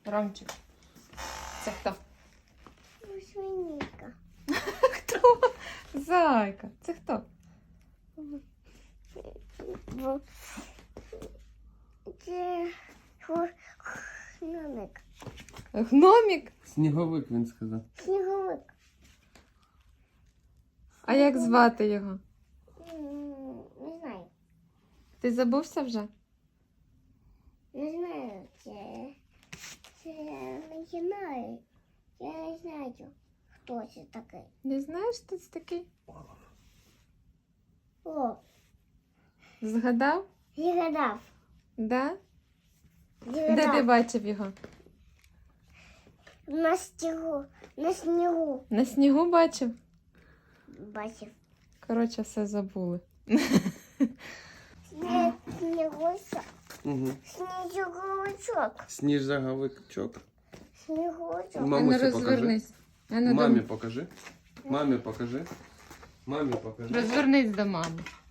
Ромчик. Це хто? Свинька. Хто? Зайка. Це хто? Це гномик. Гномік? Сніговик, він сказав. Сніговик. А як звати його? Не знаю. Ти забувся вже? Не знаю. Це не знаю. Я не знаю, хто це такий. Не знаєш, хто це такий? О, Згадав? згадав. Да? Де ти Згадав. бачив його? На снігу. На снігу На снігу бачив? бачив. Коротше, все забули. Снігуся. Угу. Сніговичок. Сніжаговичок. Снігурочок. А ну Мамусі покажи. розвернись. А ну, Мамі покажи. Мамі покажи. Мамі покажи. Розвернись до мами.